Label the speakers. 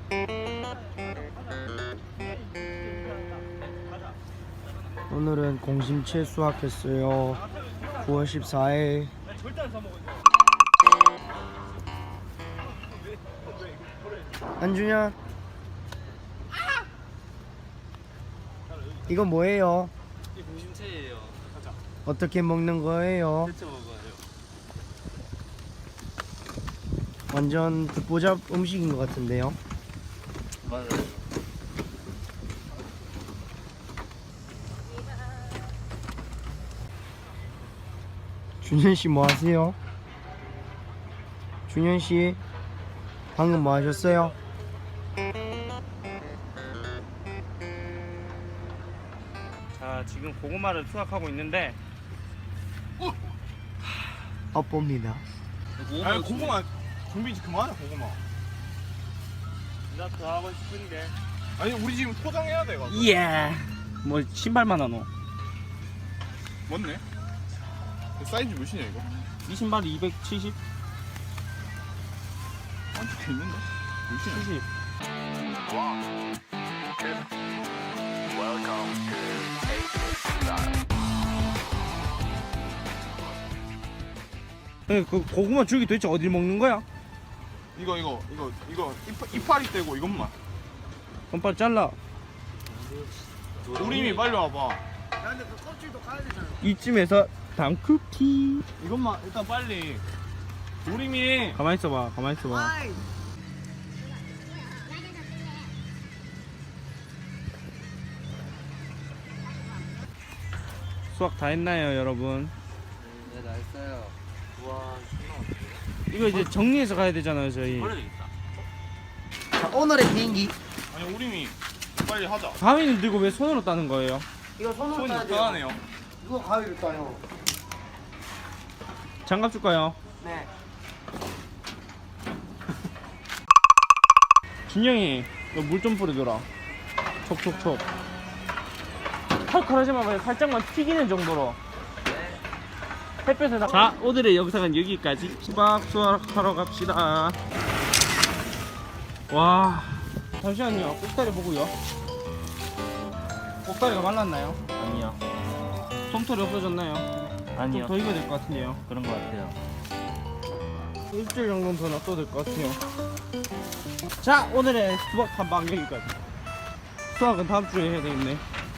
Speaker 1: 오늘은 공심채 수확했어요. 9월 14일. 안주냐? 이거 뭐예요?
Speaker 2: 이 공심채예요.
Speaker 1: 어떻게 먹는 거예요?
Speaker 2: 데쳐 먹어요.
Speaker 1: 완전 듣보잡 음식인 것 같은데요.
Speaker 2: 맞아요.
Speaker 1: 준현 씨 뭐 하세요? 준현 씨 방금 뭐 하셨어요?
Speaker 2: 자, 지금 고구마를 수확하고 있는데
Speaker 1: 엎봅니다.
Speaker 3: 아니 고구마 준비 그만해 고구마.
Speaker 2: 나 더 하고 싶은데.
Speaker 3: 아니 우리 지금 포장해야 돼 가지고.
Speaker 2: 예. 뭐 신발만 하노?
Speaker 3: 맞네. 사이즈 몇이냐 이거?
Speaker 2: 이 신발이 270?
Speaker 3: 안 적혀 있는데? 몇이냐?
Speaker 2: 70. 그 고구마 줄기 도대체 어딜 먹는 거야?
Speaker 3: 이거 이파리 떼고 이것만.
Speaker 2: 그럼 빨리 잘라.
Speaker 3: 우림이 빨리 와봐.
Speaker 2: 이쯤에서 당쿠키.
Speaker 3: 이것만 일단 빨리. 우림이
Speaker 2: 가만히 있어봐. 가만히 있어봐. 수확 다 했나요, 여러분?
Speaker 4: 네, 다 했어요. 우와,
Speaker 2: 이거 이제 정리해서 가야 되잖아요, 저희.
Speaker 1: 자, 오늘의 비행기.
Speaker 3: 아니 우림이 빨리 하자.
Speaker 2: 가위는 들고 왜 손으로 따는 거예요?
Speaker 1: 이거 손으로
Speaker 3: 손이
Speaker 1: 따야 돼요.
Speaker 3: 불편하네요.
Speaker 1: 이거 가위로 따요.
Speaker 2: 장갑 줄까요?
Speaker 1: 네.
Speaker 2: 준영이, 물 좀 뿌려줘라. 촉촉촉. 칼칼하지 마봐요. 살짝만 튀기는 정도로. 햇볕에 나. 자, 오늘의 영상은 여기까지. 수박 수확하러 갑시다. 와. 잠시만요. 꼭다리 보고요. 꼭다리가 말랐나요?
Speaker 4: 아니요.
Speaker 2: 솜털이 없어졌나요?
Speaker 4: 아니요.
Speaker 2: 좀 더 익어야 될 것 같은데요.
Speaker 4: 그런 것 같아요.
Speaker 2: 일주일 정도는 더 놔둬도 될 것 같아요. 자, 오늘의 수박 탐방 여기까지. 수학은 다음 주에 해야 되겠네.